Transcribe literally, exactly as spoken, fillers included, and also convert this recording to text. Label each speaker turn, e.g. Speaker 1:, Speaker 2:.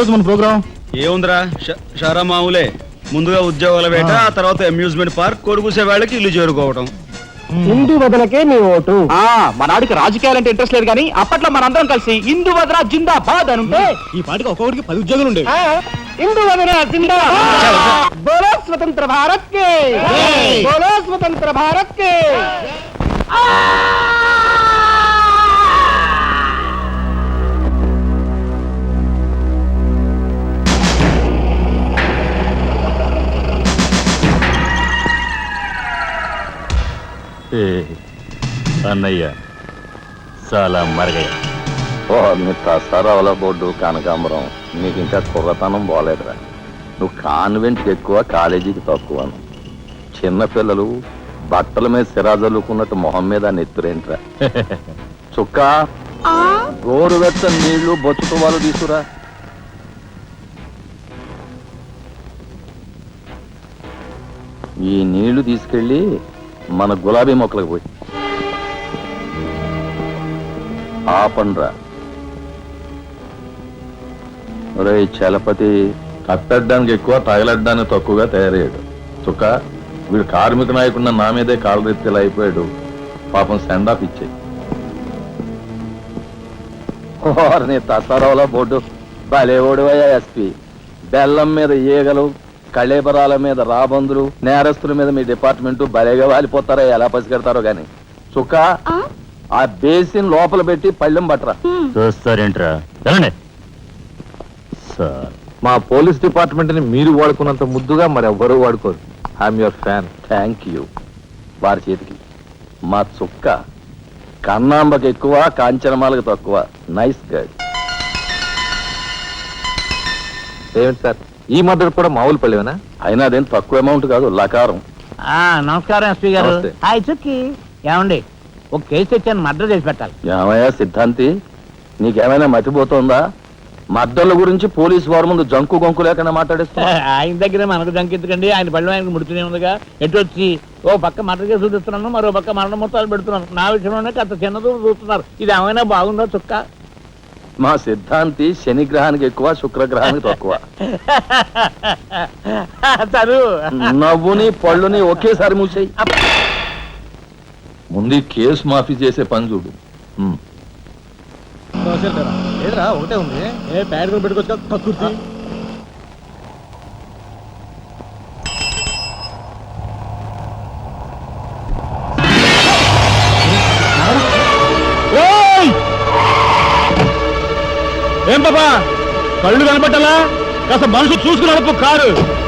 Speaker 1: రోజు మన ప్రోగ్రామ్
Speaker 2: ఏముందిరా షారా మామూలే. ముందుగా ఉద్యోగాల వేట, ఆ తర్వాత అమ్యూజ్మెంట్ పార్క్, కొడుకుసే వాళ్ళకి ఇల్లు చేరుకోవటం.
Speaker 3: హిందూ వదనకే నీ ఓటు. మనాడికి రాజకీయాలంటే ఇంట్రెస్ట్ లేదు కానీ అప్పట్లో మనందరం కలిసి హిందూ వదన జిందాబాద్ అని ఉంటే
Speaker 1: ఈ పాటికి ఒక్కొక్కడికి పది ఉద్యోగాలు ఉండేవి.
Speaker 3: హిందూ వదన జిందాబాద్. బోలో స్వతంత్ర భారత్ కే, బోలో స్వతంత్ర భారత్ కే.
Speaker 4: అన్నయ్య చాలా మరగయ్య.
Speaker 5: ఓ మీ తసారావుల బోర్డు కనకాంబరం, నీకు ఇంకా కుర్రతనం పోలేదురా. నువ్వు కాన్వెంట్కి ఎక్కువ, కాలేజీకి తక్కువను. చిన్నపిల్లలు బట్టల మీద సిరాజల్లుకున్నట్టు మొహం మీద నెత్తురేంట్రా. చుక్క గోరువెచ్చని నీళ్లు బొచ్చుతో వాళ్ళు తీసుకురా. ఈ నీళ్లు తీసుకెళ్ళి మన గులాబీ మొక్కలకు పోయి ఆపండ్రా. ఒరే చలపతి కట్టడానికి ఎక్కువ, తగలడ్డానికి తక్కువగా తయారయ్యాడు. చుక్క వీడు కార్మిక నాయకుడిన నా మీదే కాలరెత్తిలా అయిపోయాడు. పాపం సెండ్ ఆఫ్ ఇచ్చేయి. నీ తసారావుల బోర్డు బలేవోడువయ్యా ఎస్పీ. బెల్లం మీద ఈగలు, కళేబరాల మీద రాబందులు, నేరస్తుల మీద మీ డిపార్ట్మెంట్ భలేగా వాలిపోతారో ఎలా పసిగడతారో గాని. చుక్క ఆ బేసిన్ లోపల పెట్టి పళ్ళెం పట్టరా.
Speaker 4: చూస్తారేంట్రా సార్,
Speaker 5: మా పోలీస్ డిపార్ట్మెంట్ ని మీరు వాడుకున్నంత ముద్దుగా మరి ఎవ్వరూ వాడుకోరు. I'm your fan. Thank you. వారి చేతికి మా చుక్క కన్నాంబకి ఎక్కువ, కాంచనమాలకు తక్కువ. Nice guide. ఏమిటి సార్, ఈ మద్దతు కూడా మామూలు పళ్ళేనా? అయినా అదేం తక్కువ అమౌంట్ కాదు, లకారం.
Speaker 6: నమస్కారం ఎస్పీ గారు. హాయ్ చుక్కి. ఏమండి, ఒక కేసు తెచ్చాను, మర్డర్ చేసి పెట్టాలి.
Speaker 5: ఏమయ్యా సిద్ధాంతి, నీకేమైనా మతిపోతుందా? మర్డర్ల గురించి పోలీసు వారి ముందు జంకు గొంకు లేకుండా మాట్లాడేస్తా.
Speaker 6: ఆయన దగ్గర మనకు జంకెత్తుకండి, ఆయన పళ్ళు ఆయనకు ముడుతూనే ఉందిగా. ఎటు వచ్చి ఓ పక్క మర్డర్ కేసు చూపిస్తున్నాను, మరో పక్క మరణ మొత్తాలు పెడుతున్నాను. నా విషయంలోనే అంత చిన్నదో చూస్తున్నారు. ఇది ఏమైనా బాగుందా చుక్క?
Speaker 5: మా సిద్ధాంతి శనిగ్రహానికి ఎక్కువ, శుక్రగ్రహానికి తక్కువ. నవ్వుని పళ్ళుని ఒకేసారి మూసేయి. ముందు కేసు మాఫీ చేసే పని చూడు.
Speaker 1: ఏదరా ఒకటే ఉంది, ఏ ప్యాడ్ కూడా పెట్టుకోవచ్చు. కక్కుర్తి ఏం పాపా, కళ్ళు కనపట్టాలా? కాస్త మనసు చూసుకుని నడుపు కారు.